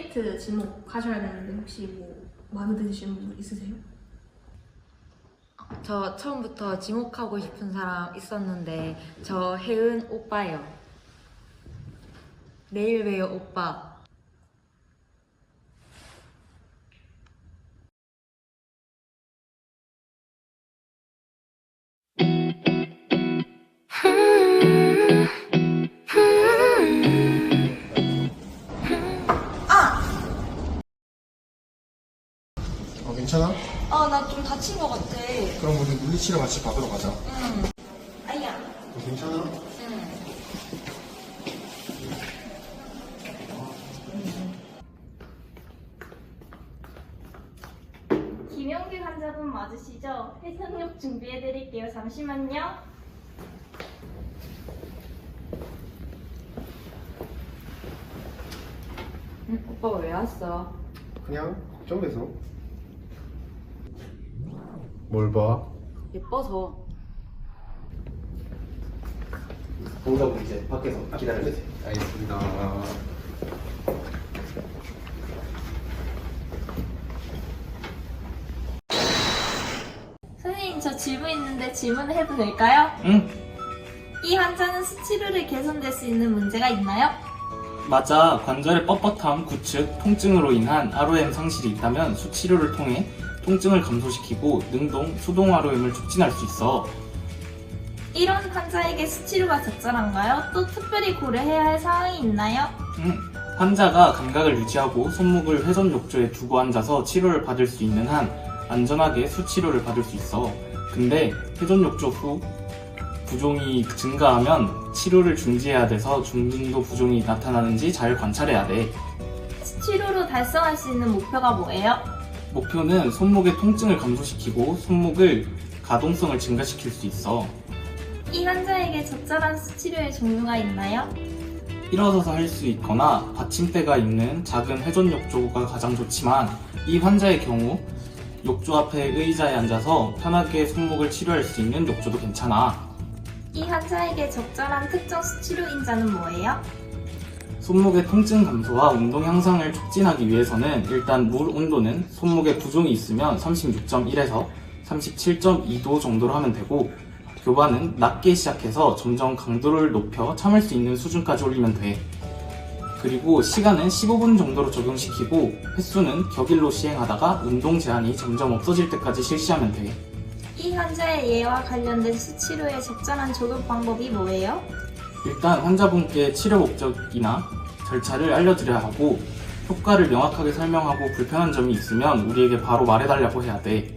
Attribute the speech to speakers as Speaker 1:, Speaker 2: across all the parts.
Speaker 1: 듀에트 지목하셔야 되는데 혹시 뭐 마음에 드시는 분 있으세요?
Speaker 2: 저 처음부터 지목하고 싶은 사람 있었는데 저 혜은 오빠요. 내일 봬요 오빠.
Speaker 3: 괜찮아?
Speaker 2: 나 좀 다친 것 같아.
Speaker 3: 그럼 우리 물리치료 같이 받으러 가자.
Speaker 2: 아야.
Speaker 3: 괜찮아?
Speaker 4: 김영규 환자분 맞으시죠? 해상력 준비해드릴게요. 잠시만요.
Speaker 2: 오빠 왜 왔어?
Speaker 3: 그냥 걱정돼서. 뭘 봐?
Speaker 2: 예뻐서.
Speaker 3: 보자고 이제 밖에서 기다려주세요. 알겠습니다.
Speaker 4: 선생님, 저 질문 있는데 질문을 해도 될까요?
Speaker 5: 응,
Speaker 4: 이 환자는 수치료를 개선될 수 있는 문제가 있나요?
Speaker 5: 맞아. 관절의 뻣뻣함, 구축, 통증으로 인한 ROM 상실이 있다면 수치료를 통해 통증을 감소시키고 능동, 수동 ROM을 촉진할 수 있어.
Speaker 4: 이런 환자에게 수치료가 적절한가요? 또 특별히 고려해야 할 사항이 있나요?
Speaker 5: 환자가 감각을 유지하고 손목을 회전 욕조에 두고 앉아서 치료를 받을 수 있는 한 안전하게 수치료를 받을 수 있어. 근데 회전 욕조 후 부종이 증가하면 치료를 중지해야 돼서 중등도 부종이 나타나는지 잘 관찰해야 돼.
Speaker 4: 수치료로 달성할 수 있는 목표가 뭐예요?
Speaker 5: 목표는 손목의 통증을 감소시키고 손목을 가동성을 증가시킬 수 있어.
Speaker 4: 이 환자에게 적절한 수치료의 종류가 있나요?
Speaker 5: 일어서서 할 수 있거나 받침대가 있는 작은 회전 욕조가 가장 좋지만 이 환자의 경우 욕조 앞에 의자에 앉아서 편하게 손목을 치료할 수 있는 욕조도 괜찮아.
Speaker 4: 이 환자에게 적절한 특정 수치료 인자는 뭐예요?
Speaker 5: 손목의 통증 감소와 운동 향상을 촉진하기 위해서는 일단 물 온도는 손목에 부종이 있으면 36.1에서 37.2도 정도로 하면 되고, 교반은 낮게 시작해서 점점 강도를 높여 참을 수 있는 수준까지 올리면 돼. 그리고 시간은 15분 정도로 적용시키고 횟수는 격일로 시행하다가 운동 제한이 점점 없어질 때까지 실시하면 돼.
Speaker 4: 이 환자의 예와 관련된 수치료의 적절한 적용 방법이 뭐예요?
Speaker 5: 일단 환자분께 치료 목적이나 절차를 알려드려야 하고, 효과를 명확하게 설명하고 불편한 점이 있으면 우리에게 바로 말해달라고 해야 돼.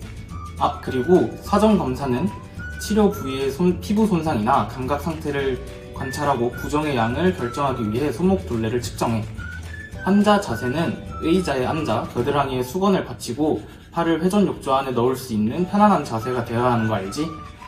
Speaker 5: 그리고 사전 검사는 치료 부위의 피부 손상이나 감각 상태를 관찰하고 부종의 양을 결정하기 위해 손목 둘레를 측정해. 환자 자세는 의자에 앉아 겨드랑이에 수건을 받치고 팔을 회전 욕조 안에 넣을 수 있는 편안한 자세가 되어야 하는 거 알지?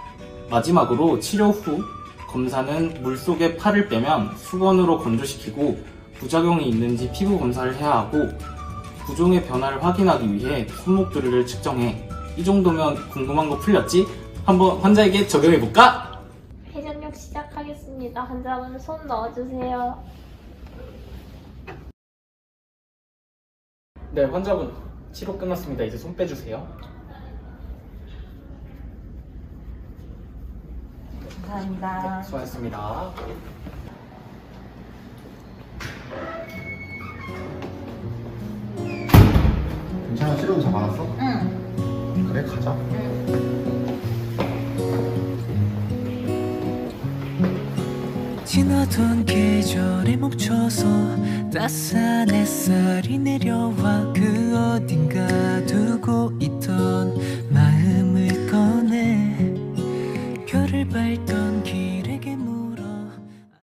Speaker 5: 마지막으로 치료 후 검사는 물속에 팔을 빼면 수건으로 건조시키고 부작용이 있는지 피부 검사를 해야 하고, 부종의 변화를 확인하기 위해 손목 둘레를 측정해. 이 정도면 궁금한 거 풀렸지? 한번 환자에게 적용해볼까?
Speaker 4: 회전력 시작하겠습니다. 환자분 손 넣어주세요.
Speaker 5: 네, 환자분 치료 끝났습니다. 이제 손 빼주세요.
Speaker 2: 감사합니다.
Speaker 5: 네, 수고하셨습니다.
Speaker 3: 괜찮아? 치료는 잘 받았어?
Speaker 2: 응.
Speaker 3: 그래, 가자.
Speaker 6: 지나던 계절에 멈춰서 따스한 햇살이 내려와 그 어딘가 두고 있던 마음을 꺼내 별을 밟던 길